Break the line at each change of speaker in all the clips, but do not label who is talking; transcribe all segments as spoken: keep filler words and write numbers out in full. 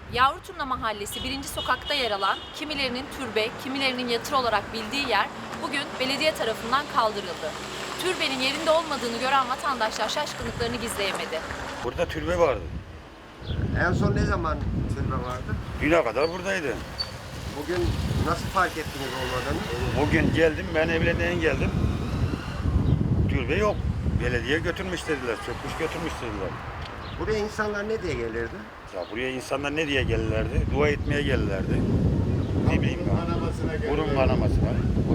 Yavruturna Mahallesi birinci sokakta yer alan kimilerinin türbe, kimilerinin yatır olarak bildiği yer bugün belediye tarafından kaldırıldı. Türbenin yerinde olmadığını gören vatandaşlar şaşkınlıklarını gizleyemedi.
Burada türbe vardı.
En son ne zaman türbe vardı?
Düne kadar buradaydı.
Bugün nasıl fark ettiniz olmadığını?
Bugün geldim, ben evlenmeye geldim. Türbe yok. Belediye götürmüş dediler, sökmüş götürmüş dediler.
Buraya insanlar ne diye gelirdi?
Ya buraya insanlar ne diye gelirlerdi? Dua etmeye gelirlerdi. Ne bileyim ben. Burun kanamasına.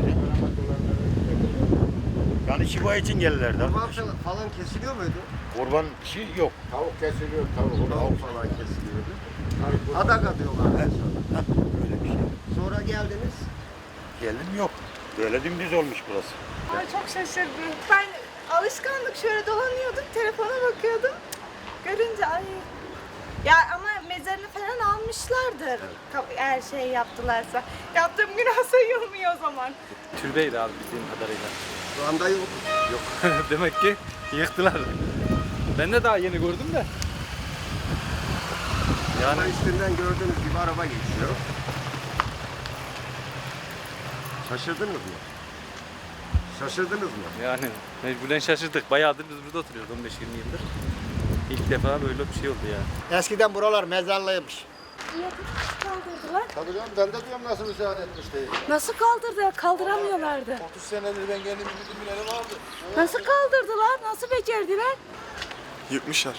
Yani şifa için gelirlerdi.
Kurban falan kesiliyor muydu?
Kurban şey yok.
Tavuk kesiliyor, tavuk.
Tavuk falan kesiliyordu. Adak atıyorlardı sonra.
Öyle bir şey.
Sonra geldiniz.
Geldim yok. Böyle dümdüz olmuş burası.
Ay çok şaşırdım. Ben alışkanlık şöyle dolanıyordum, telefona bakıyordum. Görünce ay. Ya ama mezarını falan almışlardır. Her şey yaptılarsa. Yaptığım günah sayılmıyor o zaman.
Türbeydi abi bildiğim kadarıyla.
Şu anda yok.
Yok. Demek ki yıktılar. Ben de daha yeni gördüm de.
Yani üstünden gördüğünüz gibi araba geçiyor. Şaşırdınız mı? Şaşırdınız mı?
Yani mecburen şaşırdık. Bayağıdır biz burada oturuyoruz on beş yirmi yıldır. İlk defa böyle bir şey oldu yani.
Eskiden buralar mezarlıymış.
Kaldırdılar.
Tabii canım, ben de diyorum nasıl müsaade etmiş diye.
Nasıl kaldırdılar? Kaldıramıyorlardı.
otuz senedir ben kendim bildiğim bileli vardı.
Nasıl kaldırdılar? Nasıl becerdiler?
Yıkmışlar.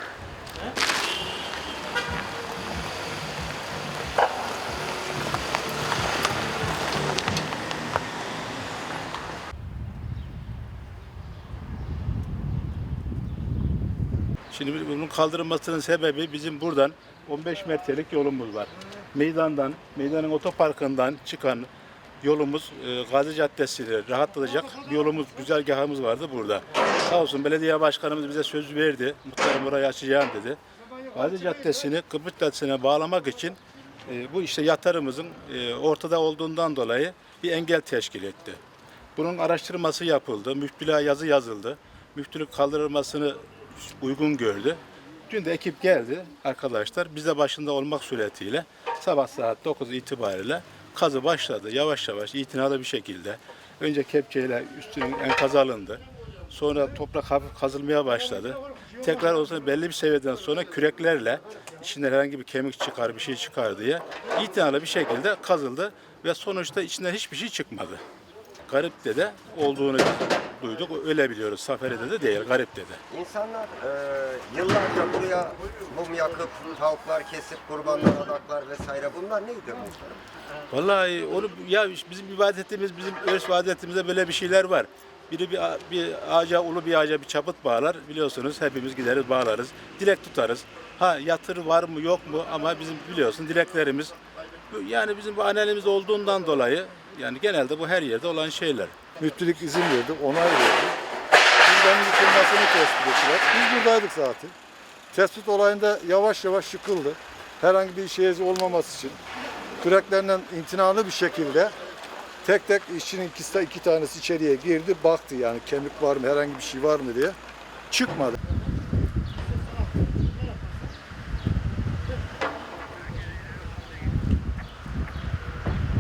Şimdi bunun kaldırılmasının sebebi bizim buradan on beş metrelik yolumuz var. Meydandan, meydanın otoparkından çıkan yolumuz e, Gazi Caddesi'ni rahatlatacak bir yolumuz, güzergahımız vardı burada. Sağ olsun belediye başkanımız bize söz verdi. Muhtarım orayı açacağım dedi. Gazi Caddesi'ni Kıbrıs Caddesi'ne bağlamak için e, bu işte yatırımımızın e, ortada olduğundan dolayı bir engel teşkil etti. Bunun araştırması yapıldı, müftülüğe yazı yazıldı. Müftülük kaldırılmasını uygun gördü. Dün de ekip geldi arkadaşlar. Biz de başında olmak suretiyle sabah saat dokuz itibariyle kazı başladı. Yavaş yavaş itinalı bir şekilde. Önce kepçeyle üstünün enkazı alındı. Sonra toprak hafif kazılmaya başladı. Tekrar o zaman belli bir seviyeden sonra küreklerle içinde herhangi bir kemik çıkar, bir şey çıkar diye itinalı bir şekilde kazıldı ve sonuçta içinden hiçbir şey çıkmadı. Garip'te de olduğunu duyduk. Öyle biliyoruz. Safari'de de değil, Garip'te de.
İnsanlar e, yıllarca buraya mum yakıp, tavuklar kesip, kurbanlar, adaklar vesaire bunlar neydi muhtarım?
Vallahi onu ya bizim ibadetimiz, bizim örf ve adetimizde böyle bir şeyler var. Biri bir, bir ağaca, ulu bir ağaca bir çaput bağlar. Biliyorsunuz hepimiz gideriz, bağlarız. Dilek tutarız. Ha yatır var mı yok mu ama bizim biliyorsun dileklerimiz yani bizim bu anelimiz olduğundan dolayı yani genelde bu her yerde olan şeyler.
Müftülük izin verdi, onay verdi. Buradan yıkılmasını tespit ettiler. Biz buradaydık zaten. Tespit olayında yavaş yavaş yıkıldı. Herhangi bir şey olmaması için küreklerinden imtinalı bir şekilde tek tek işçinin ikisi, iki tanesi içeriye girdi, baktı yani kemik var mı, herhangi bir şey var mı diye. Çıkmadı.